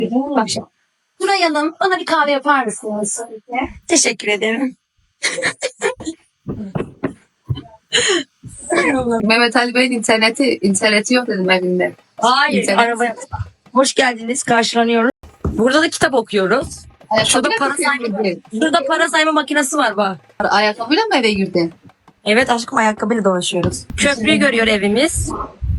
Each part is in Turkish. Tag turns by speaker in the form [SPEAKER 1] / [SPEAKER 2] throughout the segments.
[SPEAKER 1] Bak şimdi. Nuray Hanım, bana bir kahve yapar mısınız? Teşekkür ederim.
[SPEAKER 2] Mehmet Ali Bey'in interneti yok dedim evinde.
[SPEAKER 1] Hayır,
[SPEAKER 2] İnternet.
[SPEAKER 1] arabaya. Hoş geldiniz, karşılanıyoruz. Burada da kitap okuyoruz. Şurada para sayma makinesi var bak.
[SPEAKER 2] Ayakkabıyla mı eve girdin?
[SPEAKER 1] Evet aşkım, ayakkabıyla dolaşıyoruz. Köprüyü görüyor evimiz.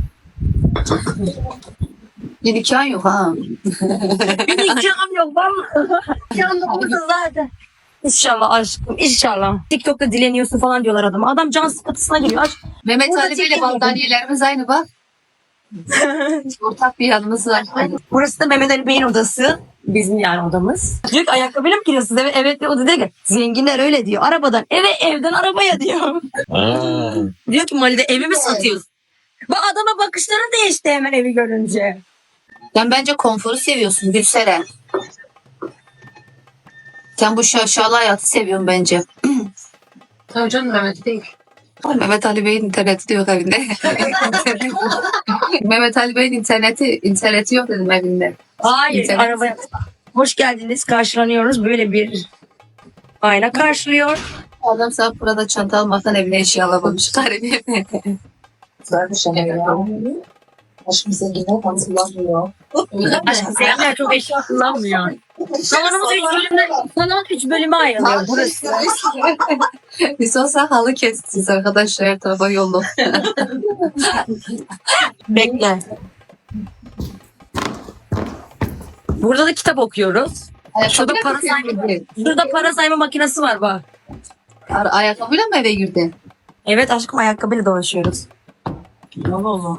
[SPEAKER 2] Bir nikahın yok ha.
[SPEAKER 1] Bir nikahım yok vallahi. Nikahım da burada zaten. İnşallah aşkım, inşallah. TikTok'ta dileniyorsun falan diyorlar adama. Adam can sıkıntısına giriyor.
[SPEAKER 2] Mehmet
[SPEAKER 1] Burada
[SPEAKER 2] Ali Bey'le
[SPEAKER 1] çekim
[SPEAKER 2] battaniyelerimiz aynı bak. Ortak bir yanımız var.
[SPEAKER 1] Burası da Mehmet Ali Bey'in odası. Bizim yani odamız. Diyor ki ayakkabıyla mı giriyorsunuz eve? Evet diyor. O da diyor ki zenginler öyle diyor. Arabadan eve, evden arabaya diyor. Diyor ki Mali'de evi mi satıyorsun? Bu adama bakışları değişti hemen evi görünce.
[SPEAKER 2] Sen bence konforu seviyorsun Gülseren. Sen bu şaşalı hayatı seviyorsun bence.
[SPEAKER 3] Tabii canım Mehmet değil.
[SPEAKER 2] Mehmet Ali Bey'in interneti de yok evinde. Mehmet Ali Bey'in interneti yok dedim evinde.
[SPEAKER 1] Hayır,
[SPEAKER 2] İnternet.
[SPEAKER 1] arabaya. Hoş geldiniz, karşılanıyoruz. Böyle bir ayna karşılıyor.
[SPEAKER 2] Adam sana burada çanta almaktan evine eşya alamamış. Garibi.
[SPEAKER 3] Aşkım zenginler hatırlamıyor.
[SPEAKER 1] Aşkım zenginler çok eşya kullanmıyor. Salonumuz 3 bölüme ayrılıyor burası.
[SPEAKER 2] Biz olsa halı kestiniz arkadaşlar, her tarafa yolu.
[SPEAKER 1] Bekle. Burada da kitap okuyoruz. Şurada para sayma makinesi var bak.
[SPEAKER 2] Ayakkabıyla mı eve girdin?
[SPEAKER 1] Evet aşkım, ayakkabıyla dolaşıyoruz.
[SPEAKER 2] Allah Allah.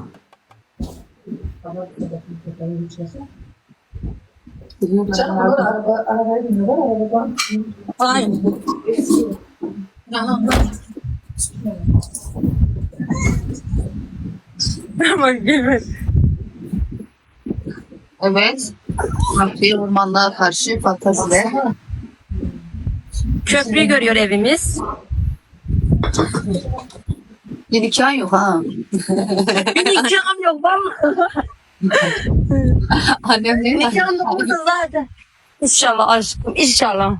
[SPEAKER 3] Canım onlar arabaya biniyorlar arabadan.
[SPEAKER 1] Aynen. Bak gülme.
[SPEAKER 2] Evet. Bir ormanlığa karşı fantaziler.
[SPEAKER 1] Köprüyü görüyor evimiz.
[SPEAKER 2] Bir nikahın yok ha.
[SPEAKER 1] Bir nikahım yok vallahi.
[SPEAKER 2] Annem ne?
[SPEAKER 1] Nikahım da burada zaten. İnşallah aşkım, inşallah.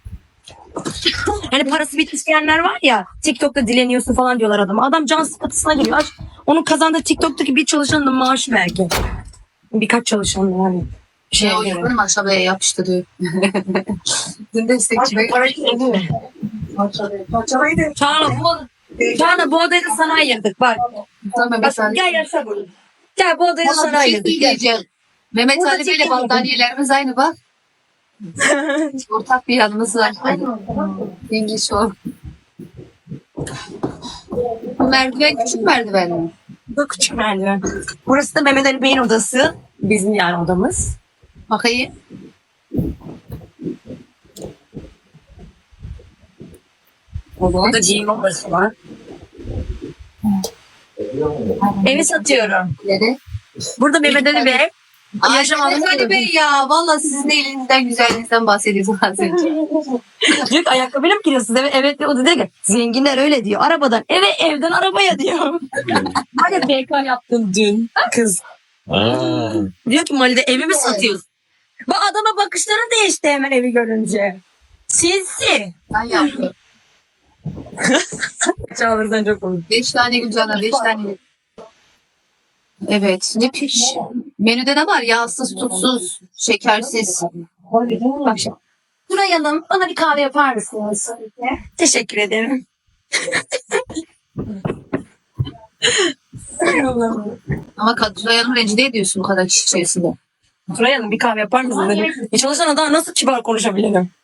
[SPEAKER 1] Hani parası bitmiş diyenler var ya, TikTok'ta dileniyorsun falan diyorlar adama. Adam can sıkıntısına giriyor. Onun kazandığı TikTok'taki bir çalışanın da maaşı belki. Birkaç çalışan yani.
[SPEAKER 2] O yüzden aşağıya yapıştırıyor. Dün destekçi ve
[SPEAKER 1] Çağla bu odayı da sana ayırdık bak.
[SPEAKER 2] Tamam,
[SPEAKER 1] Bak gel yaşa bunu. Gel bu odayı da sana ayırdık. Gel.
[SPEAKER 2] Mehmet
[SPEAKER 1] Burada
[SPEAKER 2] Ali Bey'le
[SPEAKER 1] çekim
[SPEAKER 2] battaniyelerimiz aynı bak. Ortak bir yanımız var. Yengeç o. Bu merdiven küçük merdiven mi?
[SPEAKER 1] Bu küçük merdiven. Burası da Mehmet Ali Bey'in odası. Bizim yani odamız.
[SPEAKER 2] Bakayım.
[SPEAKER 1] Burada giyim odası var. Evi satıyorum.
[SPEAKER 2] Nerede?
[SPEAKER 1] Burada Mehmet Ali Bey. Yaşam
[SPEAKER 2] Mehmet Ali
[SPEAKER 1] alanı.
[SPEAKER 2] Bey ya. Valla sizin elinizden, güzelliğinizden bahsediyorsunuz az önce.
[SPEAKER 1] Diyor ki ayakkabıyla mı giriyorsunuz eve? Evet diyor. O da diyor ki zenginler öyle diyor. Arabadan eve, evden arabaya diyor. Hani BK yaptın dün kız. Diyor ki Mali'de evi mi satıyorsun? Bu adama bakışları değişti hemen evi görünce. Sinsi.
[SPEAKER 2] Ben yaptım.
[SPEAKER 1] Çağlar'dan çok komik.
[SPEAKER 2] 5 tane Gülcan'a, 5 tane. Evet. Ne piş. Menüde ne var? Yağsız, tuzsuz, şekersiz.
[SPEAKER 1] Bak şimdi. Nuray Hanım, bana bir kahve yapar mısınız? Teşekkür ederim.
[SPEAKER 2] Ama Nuray Hanım rencide ediyorsun bu kadar kişi içerisinde.
[SPEAKER 1] Nuray Hanım bir kahve yapar mısınız? Çalışan adam nasıl kibar konuşabilirim?